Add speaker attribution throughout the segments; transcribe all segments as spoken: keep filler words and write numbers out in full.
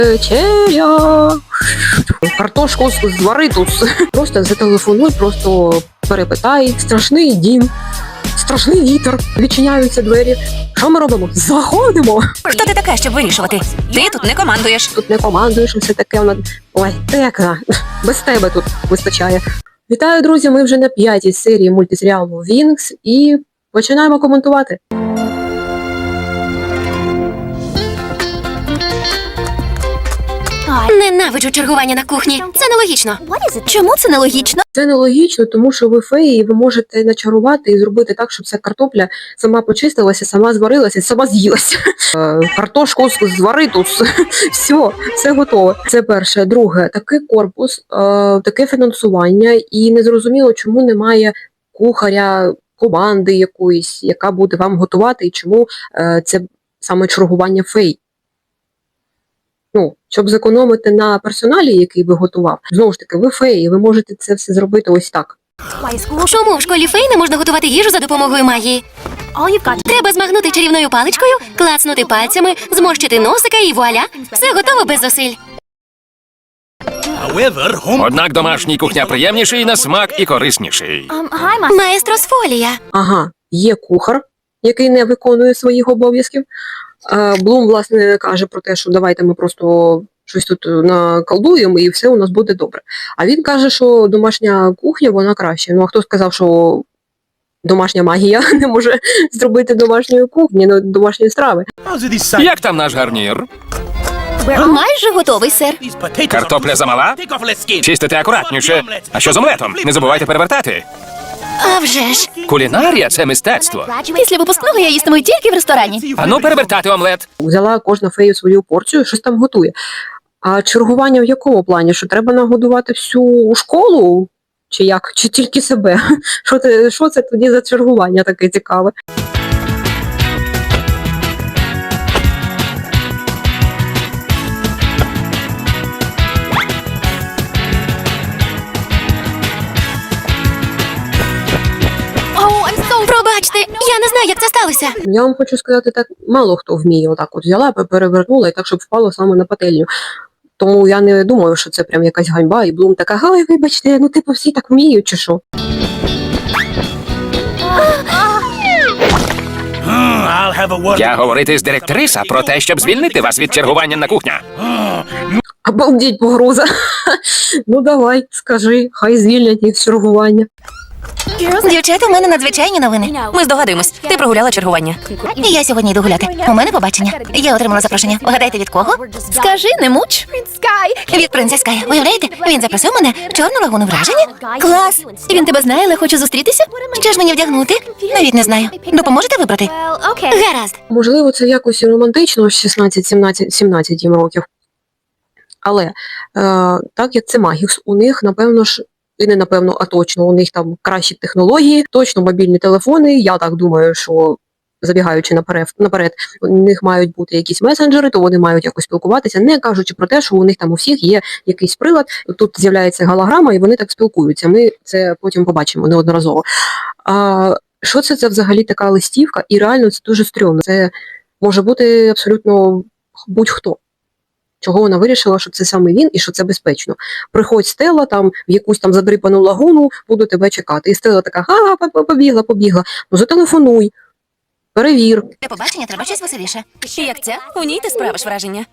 Speaker 1: Вечеря. Картошку звари тут. Просто зателефонуй, просто перепитай. Страшний дім. Страшний вітер. Відчиняються двері. Що ми робимо? Заходимо.
Speaker 2: Хто ти така, щоб вирішувати? Ти тут не командуєш.
Speaker 1: Тут не командуєш, все таке вона. Ой, тека. Без тебе тут вистачає. Вітаю, друзі! Ми вже на п'ятій серії мультисеріалу Вінкс і починаємо коментувати.
Speaker 2: Ненавиджу чергування на кухні. Це нелогічно. Чому це нелогічно?
Speaker 1: Це нелогічно, тому що ви феї, і ви можете начарувати і зробити так, щоб ця картопля сама почистилася, сама зварилася, сама з'їлася. Картошку звари тут. Все, все готове. Це перше. Друге, такий корпус, таке фінансування, і незрозуміло, чому немає кухаря, команди якоїсь, яка буде вам готувати, і чому це саме чергування фей. Ну, щоб зекономити на персоналі, який би готував. Знову ж таки, ви феї, ви можете це все зробити ось так.
Speaker 2: Чому в школі фей не можна готувати їжу за допомогою магії? Треба змагнути чарівною паличкою, клацнути пальцями, зморщити носика і вуаля. Все готово без зусиль.
Speaker 3: Однак домашній кухня приємніший на смак і корисніший.
Speaker 2: Маестро з фолія.
Speaker 1: Ага, є кухар, який не виконує своїх обов'язків. Блум, власне, каже про те, що давайте ми просто щось тут наколдуємо і все у нас буде добре. А він каже, що домашня кухня, вона краще. Ну, а хто сказав, що домашня магія не може зробити домашньої кухні, ну, домашньої страви?
Speaker 3: Як там наш гарнір?
Speaker 2: Майже готовий, сер.
Speaker 3: Картопля замала? Чистите акуратніше. А що з омлетом? Не забувайте перевертати.
Speaker 2: А вже ж.
Speaker 3: Кулінарія – це мистецтво.
Speaker 2: Після випускного я їстиму тільки в ресторані.
Speaker 3: Ану перевертати омлет.
Speaker 1: Взяла кожна фея свою порцію, щось там готує. А чергування в якому плані? Що треба нагодувати всю школу? Чи як? Чи тільки себе? Що це, що це тоді за чергування таке цікаве?
Speaker 2: Пробачте, я не знаю, як це сталося.
Speaker 1: Я вам хочу сказати, так мало хто вміє отак от взяла, перевернула і так, щоб впало саме на пательню. Тому я не думаю, що це прям якась ганьба, і Блум така, ай, вибачте, ну типу всі так вміють, чи що?
Speaker 3: Я говорити з директриса про те, щоб звільнити вас від чергування на кухня.
Speaker 1: Обалдіть, погроза. Ну давай, скажи, хай звільнять їх з чергування.
Speaker 2: Дівчата, у мене надзвичайні новини. Ми здогадуємось. Ти прогуляла чергування. І я сьогодні йду гуляти. У мене побачення. Я отримала запрошення. Угадайте, від кого? Скажи, не муч. Від принца Скай. Уявляєте? Він запросив мене в Чорну лагуну враження. Клас! Він тебе знає, але хоче зустрітися? Що ж мені вдягнути? Навіть не знаю. Допоможете вибрати? Гаразд.
Speaker 1: Можливо, це якось і романтично, шістнадцять сімнадцять їм років. Але, е, так як це Магікс, у них, напевно ж, і не напевно, а точно, у них там кращі технології, точно мобільні телефони. Я так думаю, що забігаючи наперед, наперед, у них мають бути якісь месенджери, то вони мають якось спілкуватися, не кажучи про те, що у них там у всіх є якийсь прилад, тут з'являється голограма, і вони так спілкуються. Ми це потім побачимо неодноразово. А що це, це взагалі така листівка? І реально це дуже стрьомно. Це може бути абсолютно будь-хто. Чого вона вирішила, що це саме він і що це безпечно. Приходь, Стелла, там, в якусь там задрипану лагуну, буду тебе чекати. І Стелла така, ага, побігла, побігла. Ну зателефонуй, перевір.
Speaker 2: Для побачення треба щось веселіше. Як це? У ній ти справиш враження.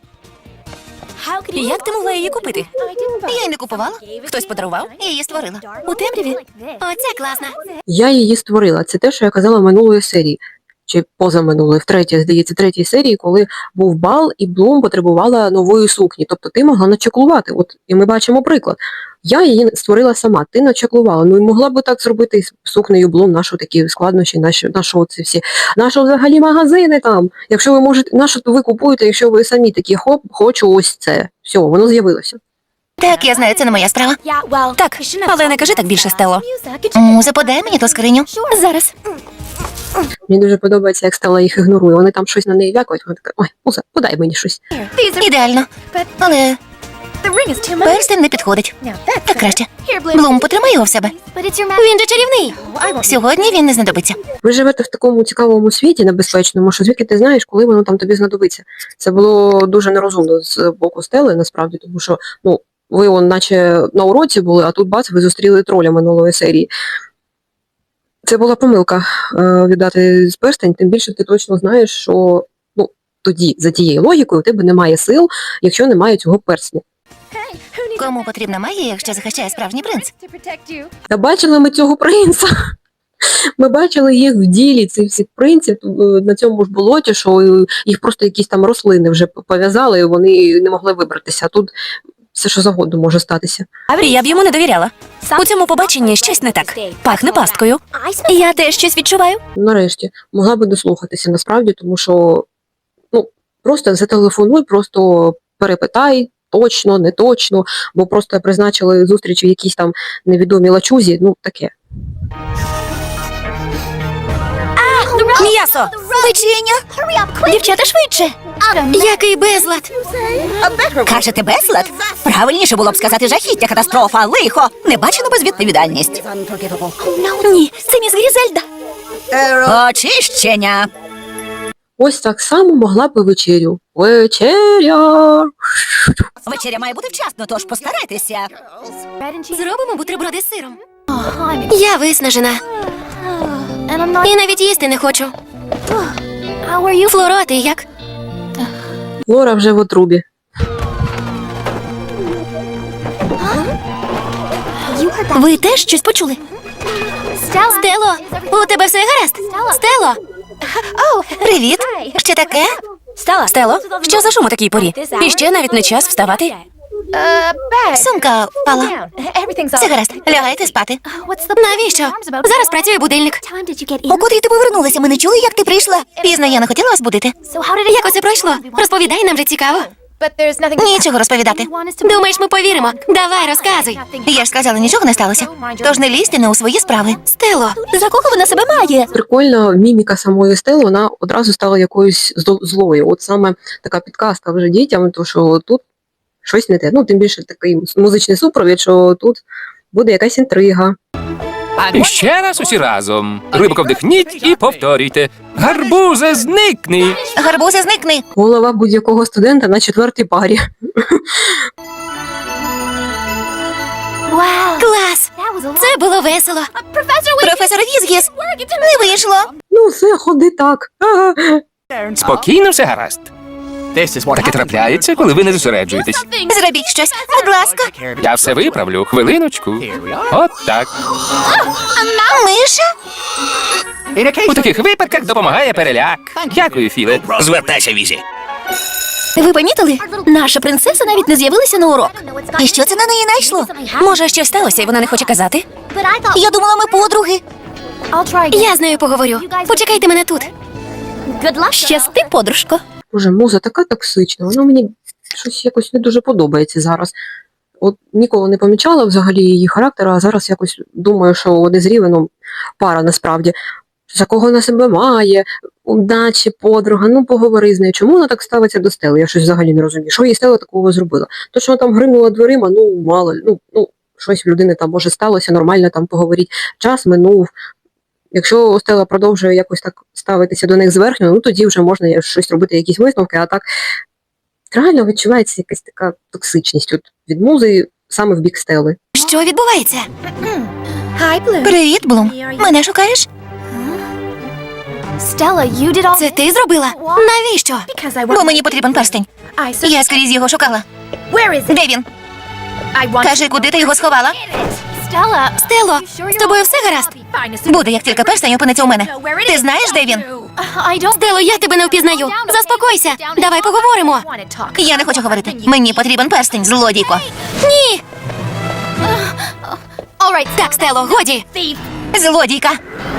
Speaker 2: Як ти могла її купити? Я її не купувала. Хтось подарував, я її створила. У темряві? Оце класно.
Speaker 1: Я її створила. Це те, що я казала в минулої серії. Чи позаминулої, в третій, здається, третій серії, коли був бал, і Блум потребувала нової сукні. Тобто ти могла начеклувати. От, і ми бачимо приклад. Я її створила сама, ти начеклувала. Ну і могла б так зробити з сукнею Блум, наші такі складнощі, наші, наші ці всі. Наші взагалі магазини там. Якщо ви можете, нащо ви купуєте, якщо ви самі такі, хоп, хочу ось це. Все, воно з'явилося.
Speaker 2: Так, я знаю, це не моя справа. Так, але не кажи так більше, Стело. Муза, подай мені ту скриню. Зараз.
Speaker 1: Мені дуже подобається, як Стелла їх ігнорує. Вони там щось на неї вякають, вона така, ой, Муза, подай мені щось.
Speaker 2: Ідеально. Але Перстень не підходить. Так краще. Блум, потримай його в себе. Він же чарівний. Сьогодні він не знадобиться.
Speaker 1: Ви живете в такому цікавому світі небезпечному, що звідки ти знаєш, коли воно там тобі знадобиться. Це було дуже нерозумно з боку Стели, насправді, тому що, ну, ви он наче на уроці були, а тут бац, ви зустріли троля минулої серії. Це була помилка е, віддати з перстень, тим більше ти точно знаєш, що, ну, тоді, за тією логікою, у тебе немає сил, якщо немає цього перстня.
Speaker 2: Кому потрібна магія, якщо захищає справжній принц?
Speaker 1: Та бачили ми цього принца. Ми бачили їх в ділі, цих всіх принців е, на цьому ж болоті, що е, їх просто якісь там рослини вже пов'язали, і вони не могли вибратися. А тут все, що завгодно може статися.
Speaker 2: Я б йому не довіряла. У цьому побаченні щось не так. Пахне пасткою. Я теж щось відчуваю.
Speaker 1: Нарешті, могла би дослухатися насправді, тому що, ну, просто зателефонуй, просто перепитай, точно, не точно, бо просто призначили зустріч в якійсь там невідомій лачузі, ну, таке.
Speaker 2: М'ясо! Печення! Дівчата, швидше! Який безлад!
Speaker 4: Кажете, безлад? Правильніше було б сказати жахіття, катастрофа, лихо, небачену безвідповідальність.
Speaker 2: Ні, це міс Грізельда.
Speaker 4: Очищення.
Speaker 1: Ось так само могла би вечерю. Вечеря!
Speaker 4: Вечеря має бути вчасно, тож постарайтеся.
Speaker 2: Зробимо бутерброди з сиром. Я виснажена. І навіть їсти не хочу. Флоро, а ти як?
Speaker 1: Лора вже в отрубі.
Speaker 2: Ви теж щось почули? Стело, у тебе все гаразд? Стело! Привіт! Що таке? Стело, що за шум у такій порі? І ще навіть не час вставати. Сумка впала. Все гаразд, лягайте спати. Навіщо? Зараз працює будильник.
Speaker 4: У котрій ти повернулася? Ми не чули, як ти прийшла.
Speaker 2: Пізно, я не хотіла вас будити. Як усе пройшло? Розповідай, нам же цікаво. Нічого розповідати. Думаєш, ми повіримо? Давай, розказуй. Я ж сказала, нічого не сталося. Тож не лізьте не у свої справи. Стело, за кого вона себе має?
Speaker 1: Прикольна міміка самої Стели, вона одразу стала якоюсь зло- злою. От саме така підказка вже дітям, то що тут щось не те. Ну, тим більше такий музичний супровід, що тут буде якась інтрига.
Speaker 3: І ще раз усі разом. Глибоко вдихніть і повторюйте. Гарбузе, зникни!
Speaker 2: Гарбузи, зникни.
Speaker 1: Голова будь-якого студента на четвертій парі.
Speaker 2: Клас! Це було весело. Професор Візгіс, не вийшло.
Speaker 1: Ну, все, ходи так. Ага.
Speaker 3: Спокійно, все гаразд. Таке трапляється, коли ви не зосереджуєтесь.
Speaker 2: Зробіть щось, будь ласка.
Speaker 3: Я все виправлю. Хвилиночку. От так.
Speaker 2: Миша?
Speaker 3: У таких випадках допомагає переляк. Дякую, Філе.
Speaker 5: Звертайся, Візі.
Speaker 2: Ви помітили? Наша принцеса навіть не з'явилася на урок. І що це на неї найшло? Може, щось сталося, і вона не хоче казати?
Speaker 4: Я думала, ми подруги.
Speaker 2: Я з нею поговорю. Почекайте мене тут. Щасти, подружко.
Speaker 1: Боже, муза така токсична, вона мені щось якось не дуже подобається зараз. От ніколи не помічала взагалі її характер, а зараз якось думаю, що вони з Рівеном пара насправді. За кого вона себе має, удачі, подруга, ну поговори з нею. Чому вона так ставиться до Стели? Я щось взагалі не розумію. Що їй Стела такого зробила? То, що вона там гримнула дверима, ну мало, ну, ну щось в людини там може сталося, нормально там поговоріть. Час минув. Якщо Стела продовжує якось так ставитися до них зверхньо, ну тоді вже можна щось робити, якісь висновки, а так реально відчувається якась така токсичність от від музи саме в бік Стели.
Speaker 2: Що відбувається? Привіт, Блум. Мене шукаєш? Це ти зробила? Навіщо? Бо мені потрібен перстень. Я скрізь його шукала. Де він? Кажи, куди ти його сховала? Стело, з тобою все гаразд? Буде, як тільки перстень опиниться у мене. Ти знаєш, де він? Стело, я тебе не впізнаю. Заспокойся. Давай поговоримо. Я не хочу говорити. Мені потрібен перстень, злодійко. Ні. Так, Стело, годі. Злодійка.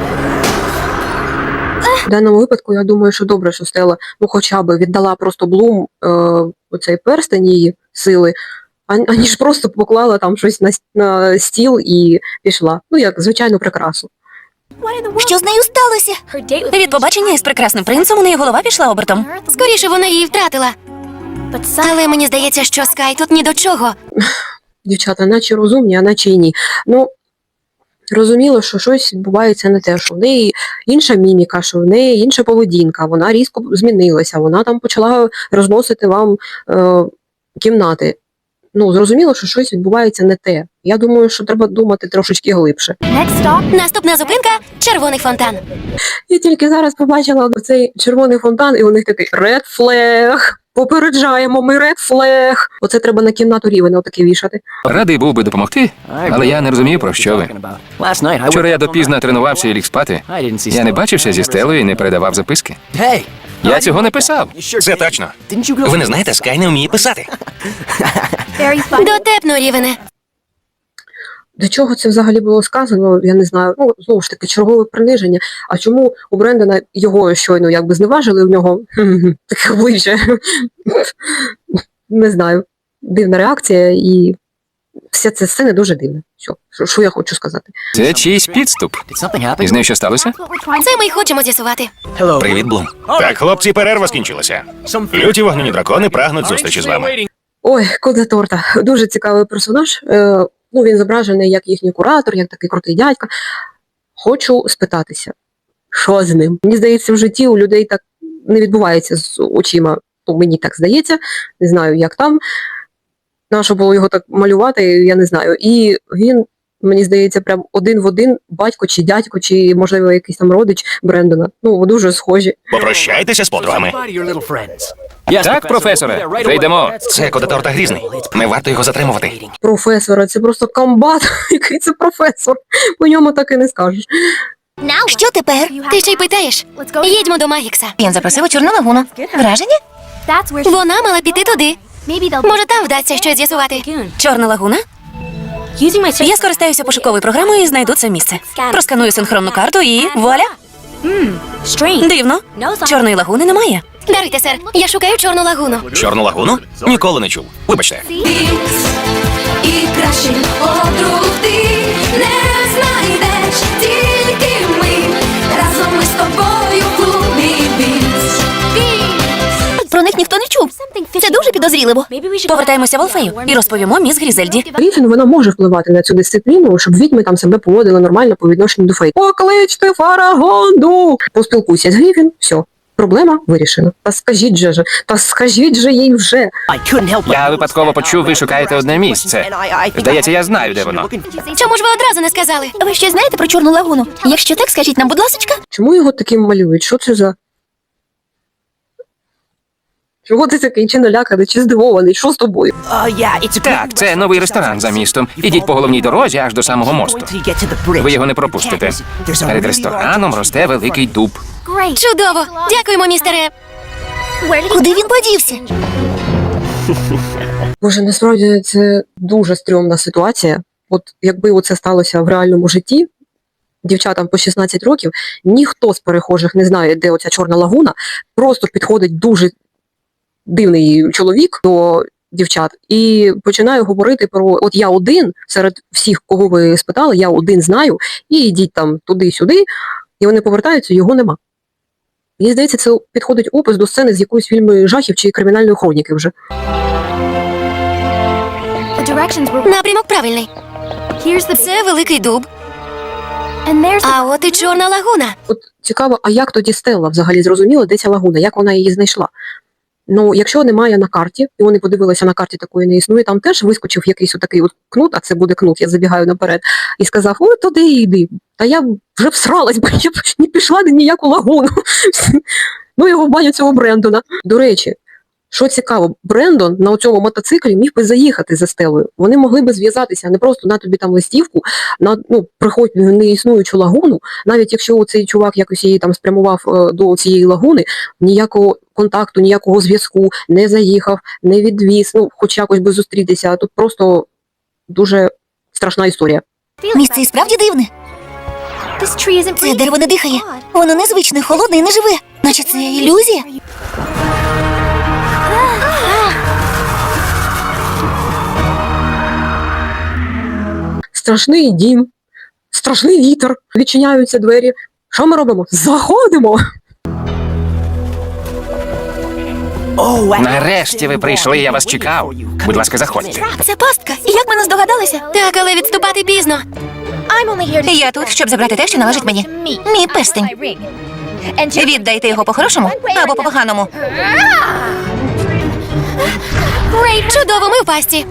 Speaker 1: В даному випадку я думаю, що добре, що Стела ну хоча б віддала просто Блум е, оцей перстень її сили, а- аніж просто поклала там щось на, с- на стіл і пішла. Ну, як звичайну прикрасу.
Speaker 2: Що з нею сталося? Від побачення із прекрасним принцем у неї голова пішла обертом. Скоріше вона її втратила. Але мені здається, що Скай тут ні до чого.
Speaker 1: Дівчата, наче розумні, а наче й ні. Ну, розуміло, що щось відбувається не те, що в неї інша міміка, що в неї інша поведінка, вона різко змінилася, вона там почала розносити вам е, кімнати. Ну, зрозуміло, що щось відбувається не те. Я думаю, що треба думати трошечки глибше.
Speaker 2: Наступна зупинка – червоний фонтан.
Speaker 1: Я тільки зараз побачила цей червоний фонтан, і у них такий red flag. Попереджаємо, ми red flag. Оце треба на кімнату Рівена отаке вішати.
Speaker 3: Радий був би допомогти, але я не розумію, про що ви. Вчора я допізно тренувався і ліг спати. Я не бачився зі Стелою і не передавав записки. Я цього не писав.
Speaker 5: Це точно. Ви не знаєте, Скай не вміє писати.
Speaker 2: Дотепно, Рівене.
Speaker 1: До чого це взагалі було сказано, я не знаю. Ну, знову ж таки, чергове приниження. А чому у Брендона його щойно якби зневажили, у нього таке обличчя? Не знаю. Дивна реакція, і вся ця сцена дуже дивна. Що, що, що я хочу сказати?
Speaker 3: Це чийсь підступ. І з нею що сталося?
Speaker 2: Це ми й хочемо з'ясувати.
Speaker 5: Привіт, Блум. Так, хлопці, перерва скінчилася. Люті вогняні дракони прагнуть зустрічі з вами.
Speaker 1: Ой, кот за торта. Дуже цікавий персонаж. Е, ну, він зображений як їхній куратор, як такий крутий дядька. Хочу спитатися, що з ним? Мені здається, в житті у людей так не відбувається з очима. Ну, мені так здається. Не знаю, як там. Нащо було його так малювати, я не знаю. І він, мені здається, прям один в один батько чи дядько, чи, можливо, якийсь там родич Брендона. Ну, дуже схожі.
Speaker 5: Попрощайтеся з подругами.
Speaker 3: Так, професоре, вже йдемо.
Speaker 5: Це Кодеторта грізний. Не варто його затримувати.
Speaker 1: Професора, це просто комбат. Який це професор? По ньому так і не скажеш.
Speaker 2: Що тепер? Ти ще й питаєш? Їдьмо до Магікса. Він запросив у Чорну лагуну. Враження? Вона мала піти туди. Може, там вдасться щось з'ясувати. Чорна лагуна? Я скористаюся пошуковою програмою і знайду це місце. Просканую синхронну карту і вуаля. Дивно. Чорної лагуни немає. Даруйте, сер, я шукаю Чорну лагуну.
Speaker 5: Чорну лагуну? Ніколи не чув. Вибачте.
Speaker 6: І кращих подруг ти не знайдеш, тільки ми разом ми з тобою в клубі Вікс.
Speaker 2: Про них ніхто не чув. Це дуже підозріливо. Повертаємося в Алфею і розповімо міс Грізельді.
Speaker 1: Гріфін, вона може впливати на цю дисципліну, щоб відьми там себе поводили нормально по відношенню до фей. Покличте Фарагонду! Поспілкуйся з Гріфін, все. Проблема вирішена. Та скажіть же ж, та скажіть же їй вже.
Speaker 3: Я випадково почув, ви шукаєте одне місце. Здається, я знаю, де воно.
Speaker 2: Чому ж ви одразу не сказали? Ви щось знаєте про Чорну лагуну? Якщо так, скажіть нам, будь ласка.
Speaker 1: Чому його таким малюють? Що це за... Чого ти такий, чи наляканий, чи здивований? Що з тобою?
Speaker 3: Так, це новий ресторан за містом. Ідіть по головній дорозі аж до самого мосту. Ви його не пропустите. Перед рестораном росте великий дуб.
Speaker 2: Чудово! Дякуємо, містере. Куди він подівся?
Speaker 1: Боже, насправді це дуже стрьомна ситуація. От якби оце сталося в реальному житті, дівчатам по шістнадцять років, ніхто з перехожих не знає, де оця Чорна лагуна, просто підходить дуже дивний чоловік до дівчат і починаю говорити про, от я один, серед всіх, кого ви спитали, я один знаю, і йдіть там туди-сюди, і вони повертаються, його нема. Мені здається, це підходить опис до сцени з якоїсь фільму жахів чи кримінальної хроніки вже.
Speaker 2: Напрямок правильний. Це великий дуб. А от і Чорна лагуна.
Speaker 1: От цікаво, а як тоді Стелла взагалі зрозуміла, де ця лагуна, як вона її знайшла? Ну, якщо немає на карті, і вони подивилися, на карті такої не існує, там теж вискочив якийсь отакий от кнут, а це буде кнут, я забігаю наперед, і сказав, ой, туди йди. Та я вже всралась, бо я б не пішла на ніяку лагуну. Ну, його в баню цього Брендона. До речі, що цікаво, Брендон на цьому мотоциклі міг би заїхати за Стелою. Вони могли би зв'язатися, а не просто на тобі там листівку, на, ну, приходь в неіснуючу лагуну, навіть якщо цей чувак якось її там спрямував е, до цієї лагуни, ніякого контакту, ніякого зв'язку, не заїхав, не відвіз, ну, хоч якось би зустрітися. Тут просто дуже страшна історія.
Speaker 2: Місце і справді дивне. Це дерево не дихає. Воно незвичне, холодне і не живе. Наче це ілюзія.
Speaker 1: Страшний дім, страшний вітер, відчиняються двері. Що ми робимо? Заходимо!
Speaker 3: Нарешті ви прийшли, я вас чекав. Будь ласка, заходьте.
Speaker 2: Це пастка. Як ми не здогадалися? Так, але відступати пізно. Я тут, щоб забрати те, що належить мені. Мій перстень. Віддайте його по-хорошому або по-поганому. Чудово, ми в пасті.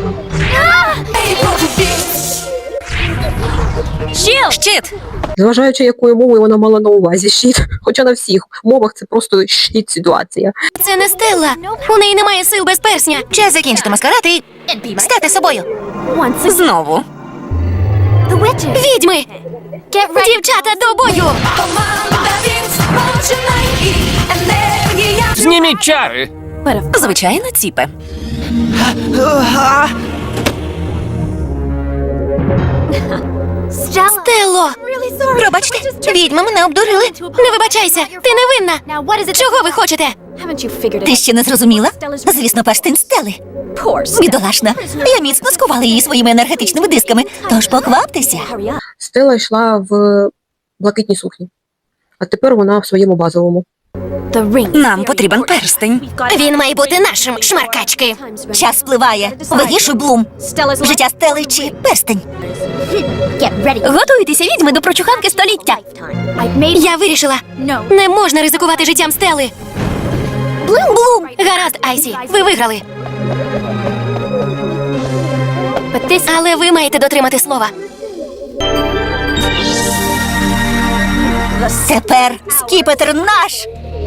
Speaker 2: Щит!
Speaker 1: Зважаючи, якою мовою вона мала на увазі щит. Хоча на всіх мовах це просто щит ситуація.
Speaker 2: Це не Стелла. У неї немає сил без персня. Час закінчити маскарад і стати собою. Знову. Відьми! Дівчата, до бою!
Speaker 6: Команда Вінкс, починай і енергія.
Speaker 3: Зніміть чари!
Speaker 2: Звичайно, ціпе. Стелло! Пробачте, відьми мене обдурили. Не вибачайся, ти невинна. Чого ви хочете?
Speaker 4: Ти ще не зрозуміла? Звісно, перстень Стели. Бідолашна. Я міцно скувала її своїми енергетичними дисками, тож покваптеся.
Speaker 1: Стела йшла в блакитній сукні, а тепер вона в своєму базовому.
Speaker 2: Нам потрібен перстень. Він має бути нашим, шмаркачки.
Speaker 4: Час спливає. Вирішуй, Блум. Життя Стели чи перстень?
Speaker 2: Готуйтеся, відьми, до прочуханки століття. Я вирішила. Не можна ризикувати життям Стели. Блум, Блум. Гаразд, Айсі, ви виграли. Але ви маєте дотримати слова.
Speaker 4: Тепер скіпетр наш.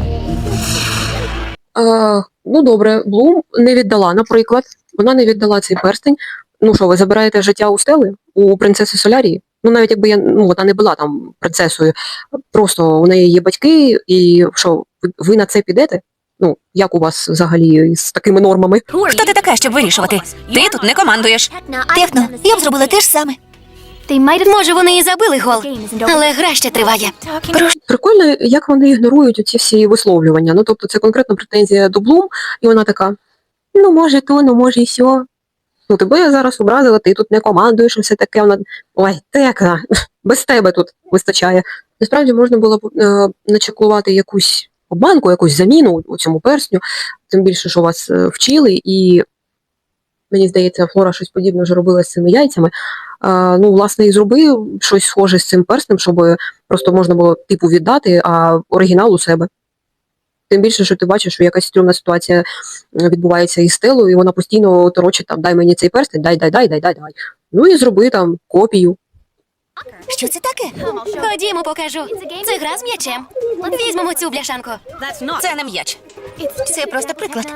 Speaker 1: А, ну добре, Блум не віддала, наприклад. Вона не віддала цей перстень. Ну що, ви забираєте життя у Стели? У принцеси Солярії? Ну навіть якби я, ну вона не була там принцесою, просто у неї є батьки, і що, ви, ви на це підете? Ну, як у вас взагалі з такими нормами?
Speaker 2: Хто ти така, щоб вирішувати? Ти тут не командуєш.
Speaker 4: Техно, я б зробила те ж саме.
Speaker 2: Може, вони і забили гол, але гра ще триває.
Speaker 1: Прикольно, як вони ігнорують оці всі висловлювання. Ну, тобто це конкретно претензія до Блум, і вона така, ну, може то, ну, може і сьо. Ну, тебе я зараз образила, ти тут не командуєш, і все таке. Вона, ой, текна, без тебе тут вистачає. Насправді можна було б е, начеклувати якусь обманку, якусь заміну у цьому персню, тим більше, що вас е, вчили, і мені здається, Флора щось подібне вже робила з цими яйцями. А, ну, власне, і зробив щось схоже з цим перснем, щоб просто можна було типу віддати, а оригінал у себе. Тим більше, що ти бачиш, що якась стрьомна ситуація відбувається із Стелою, і вона постійно торочить там, дай мені цей перстень, дай, дай, дай, дай, дай, дай. Ну і зроби там копію.
Speaker 4: Що це таке?
Speaker 2: Ходімо, покажу. Це гра з м'ячем. Візьмемо цю бляшанку. Це не м'яч. Це просто приклад.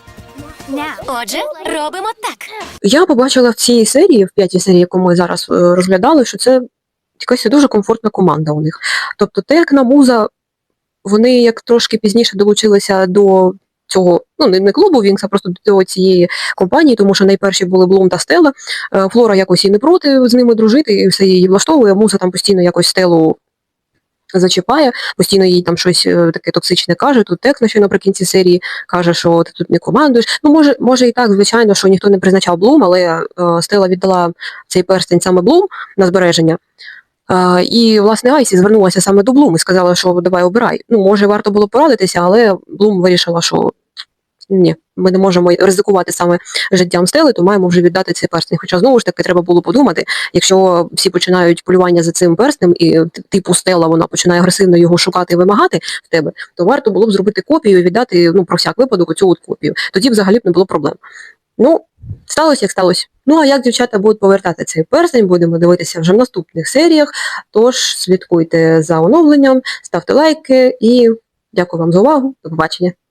Speaker 2: Отже, робимо так.
Speaker 1: Я побачила в цій серії, в п'ятій серії, яку ми зараз е, розглядали, що це якась дуже комфортна команда у них. Тобто Текна, Муза, вони як трошки пізніше долучилися до цього, ну не, не клубу Вінкс, а просто до цієї компанії, тому що найперші були Блум та Стелла. Е, Флора якось і не проти з ними дружити, і все її влаштовує. Муза там постійно якось Стеллу зачіпає, постійно їй там щось е, таке токсичне каже. Тут Текна ще наприкінці серії каже, що ти тут не командуєш. Ну, може, може і так, звичайно, що ніхто не призначав Блум, але е, Стелла віддала цей перстень саме Блум на збереження. Е, і, власне, Айсі звернулася саме до Блум і сказала, що давай обирай. Ну, може, варто було порадитися, але Блум вирішила, що ні, ми не можемо ризикувати саме життям Стели, то маємо вже віддати цей перстень. Хоча, знову ж таки, треба було подумати, якщо всі починають полювання за цим перстнем, і типу Стела, вона починає агресивно його шукати і вимагати в тебе, то варто було б зробити копію і віддати, ну, про всяк випадок, оцю от копію. Тоді взагалі б не було проблем. Ну, сталося, як сталося. Ну, а як дівчата будуть повертати цей перстень, будемо дивитися вже в наступних серіях. Тож, слідкуйте за оновленням, ставте лайки і дякую вам за увагу. До побачення.